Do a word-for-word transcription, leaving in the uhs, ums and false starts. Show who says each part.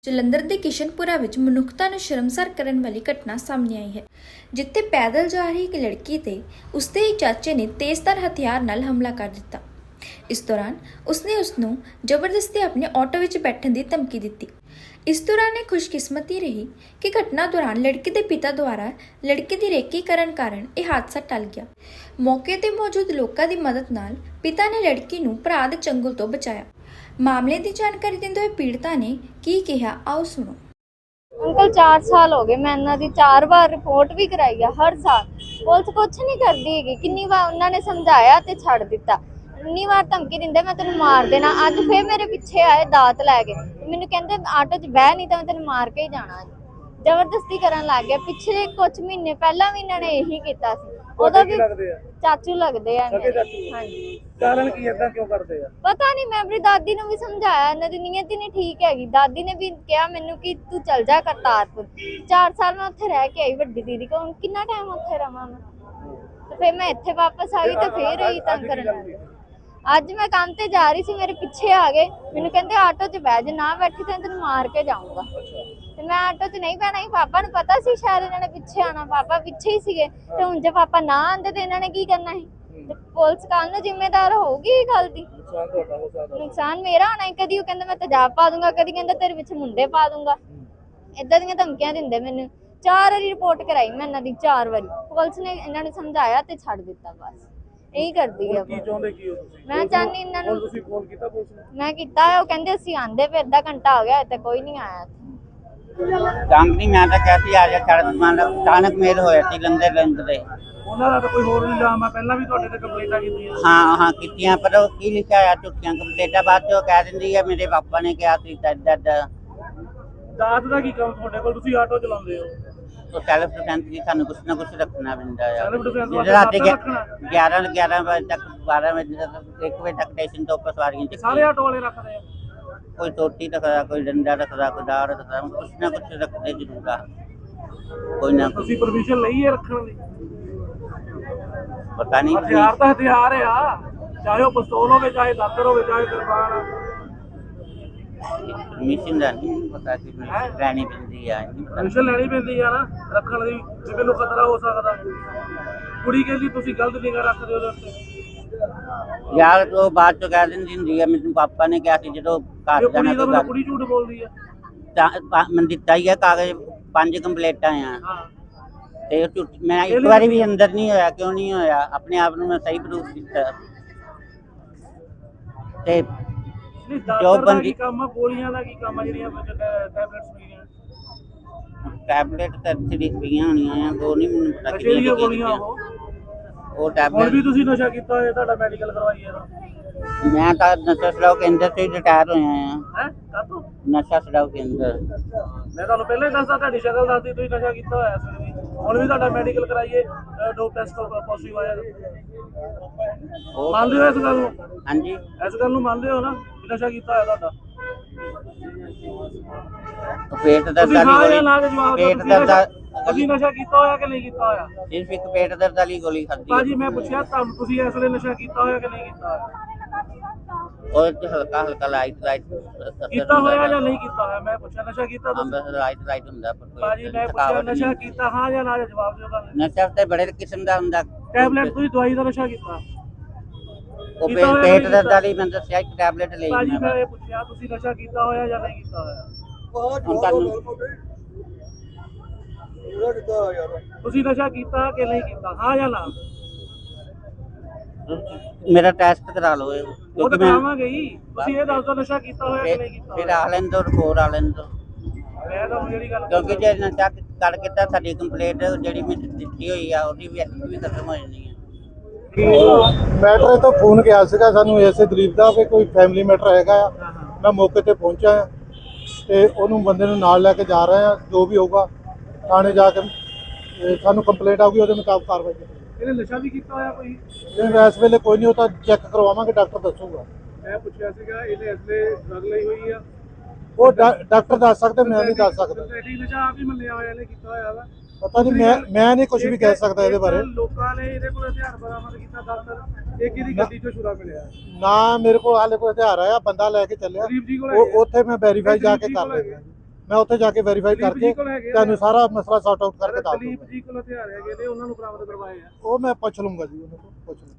Speaker 1: ਜਲੰਧਰ ਦੇ ਕਿਸ਼ਨਪੁਰਾ ਵਿੱਚ ਮਨੁੱਖਤਾ ਨੂੰ ਸ਼ਰਮਸਾਰ ਕਰਨ ਵਾਲੀ ਘਟਨਾ ਸਾਹਮਣੇ ਆਈ ਹੈ, ਜਿੱਥੇ ਪੈਦਲ ਜਾ ਰਹੀ ਇੱਕ ਲੜਕੀ ਤੇ ਉਸਦੇ ਹੀ ਚਾਚੇ ਨੇ ਤੇਜ਼ਧਾਰ ਹਥਿਆਰ ਨਾਲ ਹਮਲਾ ਕਰ ਦਿੱਤਾ। ਇਸ ਦੌਰਾਨ ਉਸਨੇ ਉਸ ਨੂੰ ਜ਼ਬਰਦਸਤੀ ਆਪਣੇ ਆਟੋ ਵਿੱਚ ਬੈਠਣ ਦੀ ਧਮਕੀ ਦਿੱਤੀ। ਇਸ ਦੌਰਾਨ ਇਹ ਖੁਸ਼ਕਿਸਮਤੀ ਰਹੀ ਕਿ ਘਟਨਾ ਦੌਰਾਨ ਲੜਕੀ ਦੇ ਪਿਤਾ ਦੁਆਰਾ ਲੜਕੀ ਦੀ ਰੇਕੀ ਕਰਨ ਕਾਰਨ ਇਹ ਹਾਦਸਾ ਟਲ ਗਿਆ। ਮੌਕੇ ਤੇ ਮੌਜੂਦ ਲੋਕਾਂ ਦੀ ਮਦਦ ਨਾਲ ਪਿਤਾ ਨੇ ਲੜਕੀ ਨੂੰ ਭਰਾ ਦੇ ਚੰਗੁਲ ਤੋਂ ਬਚਾਇਆ। मामले की जानकारी देते हुए पीड़िता ने की कहा, आओ सुनो।
Speaker 2: अंकल चार साल हो गए, मैं इन्हों की चार बार रिपोर्ट भी कराई है। हर साल पुलिस कुछ नहीं करती है। किन्नी बार उन्होंने समझाया तो छड़ दिता, इन्नी बार धमकी दिंदे मैं तेन मार देना। अज फिर मेरे पिछे आए दात लैके, मैनू कहते आटो च बह नहीं तो मैं तेन मार के ही जाना। जबरदस्ती करन लग गया। पिछले कुछ महीने पहला भी इन्होंने यही किया। ਉਹਦਾ ਵੀ ਚਾਚੂ ਲੱਗਦੇ ਆ। ਹਾਂਜੀ,
Speaker 3: ਕਾਰਨ ਕੀ ਇਦਾਂ ਕਿਉਂ ਕਰਦੇ ਆ
Speaker 2: ਪਤਾ ਨਹੀਂ। ਮੈਂ ਆਪਣੀ ਦਾਦੀ ਨੂੰ ਵੀ ਸਮਝਾਇਆ, ਇਹਨਾਂ ਦੀ ਨੀਅਤ ਹੀ ਨਹੀਂ ਠੀਕ ਹੈਗੀ। ਦਾਦੀ ਨੇ ਵੀ ਕਿਹਾ ਮੈਨੂੰ ਕਿ ਤੂੰ ਚੱਲ ਜਾ ਕਰਤਾਰਪੁਰ। ਚਾਰ ਸਾਲ ਮੈਂ ਉੱਥੇ ਰਹਿ ਕੇ ਆਈ ਵੱਡੀ ਦੀਦੀ ਕੋਲ, ਕਿੰਨਾ ਟਾਈਮ ਉੱਥੇ ਰਵਾਂ ਮੈਂ। ਤੇ ਫਿਰ ਮੈਂ ਇੱਥੇ ਵਾਪਸ ਆ ਗਈ ਤੇ ਫੇਰ ਇਹੀ ਤੰਗ ਕਰਨ ਲੱਗ ਗਏ। ਅੱਜ ਮੈਂ ਕੰਮ ਤੇ ਜਾ ਰਹੀ ਸੀ, ਮੇਰੇ ਪਿੱਛੇ ਆ ਗਏ। ਮੈਨੂੰ ਕਹਿੰਦੇ ਆਟੋ 'ਚ ਬਹਿ, ਜੇ ਨਾ ਬੈਠੀ ਤਾਂ ਤੈਨੂੰ ਮਾਰ ਕੇ ਜਾਊਂਗਾ। ਤੇ ਮੈਂ ਆਟੋ 'ਚ ਨਹੀਂ ਬਹਿਣਾ ਸੀ। ਪਾਪਾ ਨੂੰ ਪਤਾ ਸੀ ਸ਼ਾਇਦ ਇਹਨਾਂ ਨੇ ਪਿੱਛੇ ਆਣਾ, ਪਾਪਾ ਪਿੱਛੇ ਹੀ ਸੀਗੇ। ਤੇ ਹੁਣ ਜੇ ਪਾਪਾ ਨਾ ਆਂਦੇ ਤੇ ਇਹਨਾਂ ਨੇ ਕੀ ਕਰਨਾ ਸੀ। ਤੇ ਪੁਲਿਸ ਕੱਲ ਨੂੰ ਜ਼ਿੰਮੇਦਾਰ ਹੋਊਗੀ ਇਹ ਗੱਲ ਦੀ। ਨੁਕਸਾਨ ਮੇਰਾ ਹੋਣਾ। ਕਦੀ ਉਹ ਕਹਿੰਦਾ ਮੈਂ ਤੇਜ਼ਾਬ ਪਾ ਦੂੰਗਾ, ਕਦੀ ਕਹਿੰਦਾ ਤੇਰੇ ਵਿੱਚ ਮੁੰਡੇ ਪਾ ਦੂੰਗਾ। ਏਦਾਂ ਦੀਆਂ ਧਮਕੀਆਂ ਦਿੰਦੇ ਮੈਨੂੰ। ਚਾਰ ਵਾਰੀ ਰਿਪੋਰਟ ਕਰਾਈ ਮੈਂ ਇਹਨਾਂ ਦੀ, ਚਾਰ ਵਾਰੀ। ਪੁਲਿਸ ਨੇ ਇਹਨਾਂ ਨੂੰ ਸਮਝਾਇਆ ਤੇ ਛੱਡ ਦਿੱਤਾ। ਬਸ ਇਹੀ ਕਰਦੀ ਹੈ।
Speaker 3: ਕੀ ਚਾਹੁੰਦੇ ਕੀ ਹੋ ਤੁਸੀਂ?
Speaker 2: ਮੈਂ ਚਾਹਨੀ ਇਹਨਾਂ ਨੂੰ,
Speaker 3: ਤੁਸੀਂ ਫੋਨ ਕੀਤਾ ਪੁਲਿਸ ਨੂੰ?
Speaker 2: ਮੈਂ ਕੀਤਾ। ਉਹ ਕਹਿੰਦੇ ਅਸੀਂ ਆਂਦੇ, ਫਿਰ ਅੱਧਾ ਘੰਟਾ ਹੋ ਗਿਆ ਤੇ ਕੋਈ ਨਹੀਂ ਆਇਆ।
Speaker 4: ਕੰਪਨੀ ਮੈਂ ਤਾਂ ਕਹਿਤੀ ਆ ਜਾ ਛੱਡ ਮੰਨ ਅਚਾਨਕ ਮੇਲ ਹੋਇਆ ਸੀ ਲੰਦੇ ਲੰਦੇ।
Speaker 3: ਉਹਨਾਂ ਦਾ ਤਾਂ ਕੋਈ ਹੋਰ ਇਲਜ਼ਾਮ ਆ, ਪਹਿਲਾਂ ਵੀ ਤੁਹਾਡੇ ਤੇ ਕੰਪਲੇਂਟਾਂ ਕੀਤੀਆਂ?
Speaker 4: ਹਾਂ ਹਾਂ ਕੀਤੀਆਂ, ਪਰ ਉਹ ਕੀ ਲਿਖਿਆ ਆ ਝੂਠੀਆਂ ਕੰਪਲੇਂਟਾਂ। ਬਾਅਦ ਚੋਂ ਕਹਿ ਦਿੰਦੀ ਹੈ ਮੇਰੇ ਪਾਪਾ ਨੇ ਕਿਹਾ ਸੀ ਏਦਾਂ ਏਦਾਂ।
Speaker 3: ਦਾਤ ਦਾ ਕੀ ਕੰਮ ਤੁਹਾਡੇ ਕੋਲ? ਤੁਸੀਂ ਆਟੋ ਚਲਾਉਂਦੇ ਹੋ।
Speaker 4: ਉਹ ਸੈਲਫ ਡਿਫੈਂਸ ਦੀ ਸਾਨੂੰ ਕੁਛ ਨਾ ਕੁਛ ਰੱਖਣਾ ਪੈਂਦਾ ਆ।
Speaker 3: ਸੈਲਫ ਡਿਫੈਂਸ
Speaker 4: ਜਿਹੜੇ ਰਾਤੀ ਗਿਆਰਾਂ ਗਿਆਰਾਂ ਵਜੇ ਤੱਕ, ਬਾਰਾਂ ਵਜੇ ਤੱਕ, ਇੱਕ ਵਜੇ ਤੱਕ ਸਟੇਸ਼ਨ ਤੋਂ ਉੱਪਰ ਸਵਾਰੀਆਂ ਚ
Speaker 3: ਸਾਰੇ ਆਟੋ ਵਾਲੇ ਰੱਖਦੇ ਆ।
Speaker 4: ਕੋਈ ਟੋਟੀ ਰੱਖਦਾ, ਕੋਈ ਡੰਡਾ ਰੱਖਦਾ, ਕੋਈ ਦਾੜ ਰੱਖਦਾ, ਕੁਛ ਨਾ ਕੁਛ ਰੱਖਦੇ ਜ਼ਰੂਰ ਆ। ਕੋਈ ਨਾ
Speaker 3: ਤੁਸੀਂ ਪਰਮਿਸ਼ਨ ਲਈ ਹੈ ਰੱਖਣ ਦੀ?
Speaker 4: ਪਤਾ ਨਹੀਂ।
Speaker 3: ਹਥਿਆਰ ਤਾਂ ਹਥਿਆਰ ਆ, ਚਾਹੇ ਉਹ ਪਿਸਤੌਲ ਹੋਵੇ, ਚਾਹੇ ਦਾਤਰ ਹੋਵੇ, ਚਾਹੇ ਕਿਰਪਾਨ।
Speaker 4: ਮਿਸ਼ਨ ਦਾ ਨਹੀਂ ਪਤਾ ਕਿ ਲੈਣੀ ਪੈਂਦੀ ਆ।
Speaker 3: ਪਰਮਿਸ਼ਨ ਲੈਣੀ ਪੈਂਦੀ ਆ ਨਾ ਰੱਖਣ ਦੀ, ਜੇ ਮੈਨੂੰ ਖਤਰਾ ਹੋ ਸਕਦਾ। ਕੁੜੀ ਕਹਿੰਦੀ ਤੁਸੀਂ ਗਲਤ ਨਿਗਾਹ ਰੱਖਦੇ ਉਹਦੇ ਉੱਤੇ।
Speaker 4: ਯਾਰ ਉਹ ਬਾਅਦ ਚੋਂ ਕਹਿ ਦਿੰਦੀ ਹੁੰਦੀ ਆ ਮੈਨੂੰ ਪਾਪਾ ਨੇ ਕਿਹਾ ਸੀ ਜਦੋਂ ਘਰ ਜਾਣਾ ਕੋਈ ਗੱਲ।
Speaker 3: ਕੁੜੀ ਝੂਠ ਬੋਲਦੀ ਆ।
Speaker 4: ਤਾਂ ਮੈਂ ਦਿੱਤਾ ਹੀ ਆ ਕਾਗਜ਼, ਪੰਜ ਕੰਪਲੇਂਟਾਂ ਆ।
Speaker 3: ਹਾਂ,
Speaker 4: ਤੇ ਉਹ ਝੂਠ ਮੈਂ ਇੱਕ ਵਾਰੀ ਵੀ ਅੰਦਰ ਨਹੀਂ ਹੋਇਆ। ਕਿਉਂ ਨਹੀਂ ਹੋਇਆ? ਆਪਣੇ ਆਪ ਨੂੰ ਮੈਂ ਸਹੀ ਪ੍ਰੂਫ ਕੀਤਾ। ਤੇ
Speaker 3: ਜੋ ਬੰਦੀ ਕੰਮ ਆ, ਗੋਲੀਆਂ ਦਾ ਕੀ ਕੰਮ ਆ ਜਿਹੜੀਆਂ ਟੈਬਲੇਟਸ ਮਿਲੀਆਂ?
Speaker 4: ਟੈਬਲੇਟ ਤਾਂ ਥਰੀ ਪਈਆਂ ਹੋਣੀਆਂ ਆ, ਦੋ ਨਹੀਂ ਮੈਨੂੰ ਪਤਾ
Speaker 3: ਕਿਹੜੀਆਂ ਗੋਲੀਆਂ ਉਹ।
Speaker 4: ਉਹ ਟੈਬਲੇਟ
Speaker 3: ਵੀ ਤੁਸੀਂ ਨਸ਼ਾ ਕੀਤਾ ਹੋਇਆ, ਤੁਹਾਡਾ ਮੈਡੀਕਲ ਕਰਵਾਈਏ ਨਾ?
Speaker 4: ਮੈਂ ਤਾਂ ਨਸ਼ਾ ਛਡਾਊ ਕੇਂਦਰ ਤੋਂ ਹੀ ਰਿਟਾਇਰ ਹੋਇਆ ਆ।
Speaker 3: ਹੈ ਕਾਤੋਂ?
Speaker 4: ਨਸ਼ਾ ਛਡਾਊ ਕੇਂਦਰ।
Speaker 3: ਮੈਂ ਤੁਹਾਨੂੰ ਪਹਿਲਾਂ ਹੀ ਦੱਸਦਾ, ਤੁਹਾਡੀ ਸ਼ਕਲ ਦੱਸਦੀ ਤੁਸੀਂ ਨਸ਼ਾ ਕੀਤਾ ਹੋਇਆ ਸੀ। ਹੁਣ ਵੀ ਤੁਹਾਡਾ ਮੈਡੀਕਲ ਕਰਾਈਏ, ਡੋਪ ਟੈਸਟ ਪੋਜ਼ਿਟਿਵ ਆਇਆ। ਮੰਨਦੇ ਹੋ ਇਸ ਗੱਲ ਨੂੰ?
Speaker 4: ਹਾਂਜੀ,
Speaker 3: ਇਸ ਗੱਲ ਨੂੰ ਮੰਨਦੇ ਹੋ ਨਾ ਨਸ਼ਾ ਕੀਤਾ ਹੋਇਆ ਤੁਹਾਡਾ?
Speaker 4: ਪੇਟ ਦਰਦ ਵਾਲੀ ਪੇਟ ਦਰਦ
Speaker 3: ਤੁਸੀਂ ਨਸ਼ਾ ਕੀਤਾ ਹੋਇਆ ਕਿ ਨਹੀਂ ਕੀਤਾ ਹੋਇਆ?
Speaker 4: ਸਿਰਫ ਇੱਕ ਪੇਟ ਦਰਦ ਵਾਲੀ ਗੋਲੀ ਖਾਧੀ।
Speaker 3: ਭਾਜੀ ਮੈਂ ਪੁੱਛਿਆ ਤੁਹਾਨੂੰ, ਤੁਸੀਂ ਇਸ ਵੇਲੇ ਨਸ਼ਾ ਕੀਤਾ ਹੋਇਆ ਕਿ ਨਹੀਂ ਕੀਤਾ ਹੋਇਆ?
Speaker 4: ਉਹ ਤੇ ਹਲਕਾ ਹਲਕਾ ਲਾਈਟ ਲਾਈਟ
Speaker 3: ਕੀਤਾ ਹੋਇਆ ਜਾਂ ਨਹੀਂ ਕੀਤਾ ਹੋਇਆ? ਮੈਂ ਪੁੱਛਿਆ ਨਸ਼ਾ ਕੀਤਾ ਤੁਸੀਂ?
Speaker 4: ਲਾਈਟ ਲਾਈਟ ਹੁੰਦਾ ਪਰ
Speaker 3: ਭਾਜੀ ਮੈਂ ਪੁੱਛਿਆ ਨਸ਼ਾ ਕੀਤਾ ਹਾਂ ਜਾਂ ਨਾ? ਜਵਾਬ ਦਿਓ ਗੱਲ।
Speaker 4: ਨਸ਼ਾ ਤੇ ਬੜੇ ਕਿਸਮ ਦਾ ਹੁੰਦਾ।
Speaker 3: ਟੈਬਲੇਟ ਤੁਸੀਂ ਦਵਾਈ ਦਾ ਨਸ਼ਾ ਕੀਤਾ?
Speaker 4: ਉਹ ਪੇਟ ਦਰਦ ਵਾਲੀ ਮੈਂ ਦੱਸਿਆ ਇੱਕ ਟੈਬਲੇਟ ਲਈ।
Speaker 3: ਭਾਜੀ ਮੈਂ ਇਹ ਪੁੱਛਿਆ ਤੁਸੀਂ ਨਸ਼ਾ ਕੀਤਾ ਹੋਇਆ ਜਾਂ ਨਹੀਂ ਕੀਤਾ ਹੋਇਆ? ਤੁਸੀਂ ਨਸ਼ਾ ਕੀਤਾ ਕਿ ਨਹੀਂ ਕੀਤਾ, ਹਾਂ ਜਾਂ ਨਾ?
Speaker 4: ਮੇਰਾ ਟੈਸਟ ਕਰਾ ਲਓ।
Speaker 3: ਉਹ ਤਾਂ ਕਰਾਵਾਂਗੇ ਹੀ। ਤੁਸੀਂ ਇਹ ਦੱਸ ਦਿਓ ਨਸ਼ਾ ਕੀਤਾ ਹੋਇਆ ਕਿ ਨਹੀਂ ਕੀਤਾ?
Speaker 4: ਫਿਰ ਆ ਲੈਣ ਦੋ, ਰਿਪੋਰਟ ਆ ਲੈਣ ਦੋ।
Speaker 3: ਮੈਂ ਤਾਂ ਜਿਹੜੀ ਗੱਲ,
Speaker 4: ਕਿਉਂਕਿ ਜੇ ਨਸ਼ਾ ਕਰ ਕੀਤਾ ਸਾਡੀ ਕੰਪਲੇਂਟ ਜਿਹੜੀ ਮੈਂ ਦਿੱਤੀ ਹੋਈ ਆ ਉਹਦੀ ਵੀ ਵੀ ਖਤਮ ਹੋ ਜਾਣੀ ਹੈ।
Speaker 5: ਮੈਟਰ ਤੋਂ ਫੋਨ ਗਿਆ ਸੀਗਾ ਸਾਨੂੰ ਇਸੇ ਦਲੀਪ ਦਾ ਕਿ ਕੋਈ ਫੈਮਿਲੀ ਮੈਟਰ ਹੈਗਾ ਆ। ਮੈਂ ਮੌਕੇ ਤੇ ਪਹੁੰਚਾ ਆ ਤੇ ਉਹਨੂੰ ਬੰਦੇ ਨੂੰ ਨਾਲ ਲੈ ਕੇ ਜਾ ਰਹੇ ਆ। ਜੋ ਵੀ ਹੋਊਗਾ ਥਾਣੇ ਜਾ ਕੇ ਸਾਨੂੰ ਕੰਪਲੇਂਟ ਆਊਗੀ, ਉਹਦੇ ਮੁਤਾਬਕ ਕਾਰਵਾਈ ਕੀਤੀ।
Speaker 3: ਇਹਨੇ ਨਸ਼ਾ ਵੀ ਕੀਤਾ ਹੋਇਆ ਕੋਈ?
Speaker 5: ਨਹੀਂ, ਇਸ ਵੇਲੇ ਕੋਈ ਨਹੀਂ, ਉਹ ਤਾਂ ਚੈੱਕ ਕਰਵਾਵਾਂਗੇ, ਡਾਕਟਰ ਦੱਸੂਗਾ।
Speaker 3: ਮੈਂ ਪੁੱਛਿਆ ਸੀਗਾ ਇਹਨੇ ਇਸ ਵੇਲੇ ਡਰਗ ਲਈ ਹੋਈ ਆ?
Speaker 5: ਉਹ ਡਾਕਟਰ ਦੱਸ ਸਕਦੇ, ਮੈਂ ਨਹੀਂ ਦੱਸ ਸਕਦਾ।
Speaker 3: ਨਸ਼ਾ ਆਪ ਹੀ ਮੰਨਿਆ ਹੋਇਆ ਇਹਨੇ ਕੀਤਾ ਹੋਇਆ ਵਾ?
Speaker 5: ਪਤਾ ਨਹੀਂ, ਮੈਂ ਮੈਂ ਨਹੀਂ ਕੁਝ ਵੀ ਕਹਿ ਸਕਦਾ ਇਹਦੇ ਬਾਰੇ।
Speaker 3: ਲੋਕਾਂ ਨੇ ਇਹਦੇ ਕੋਲ ਹਥਿਆਰ ਬਰਾਮਦ ਕੀਤਾ ਦਾਤਰ, ਇਹ ਕਿਹਦੀ ਗੱਡੀ ਚੋਂ ਛੁਰਾ ਮਿਲਿਆ?
Speaker 5: ਨਾ ਮੇਰੇ ਕੋਲ ਹਾਲੇ ਕੋਈ ਹਥਿਆਰ ਆਇਆ, ਬੰਦਾ ਲੈ ਕੇ ਚੱਲਿਆ। ਉੱਥੇ ਮੈਂ ਵੈਰੀਫਾਈ ਜਾ ਕੇ ਕਰ ਲੈਂਦਾ। ਮੈਂ ਉੱਥੇ ਜਾ ਕੇ ਵੈਰੀਫਾਈ
Speaker 3: ਦਲੀਪ
Speaker 5: ਕਰਕੇ
Speaker 3: ਜੀ ਕੋਲ ਹੈਗੇ ਆ?
Speaker 5: ਤੁਹਾਨੂੰ ਸਾਰਾ ਮਸਲਾ ਸੌਟ ਆਊਟ ਕਰਕੇ ਦੱਸ
Speaker 3: ਦਲੀਪ
Speaker 5: ਦੂੰਗਾ।
Speaker 3: ਜੀ ਕੋਲ ਹਥਿਆਰ ਹੈਗੇ ਨੇ, ਉਹਨਾਂ ਨੂੰ ਬਰਾਮਦ ਕਰਵਾਏ ਆ।
Speaker 5: ਉਹ ਮੈਂ ਪੁੱਛ ਲੂੰਗਾ ਜੀ, ਉਹਨਾਂ ਤੋਂ ਪੁੱਛ ਲੂੰਗਾ।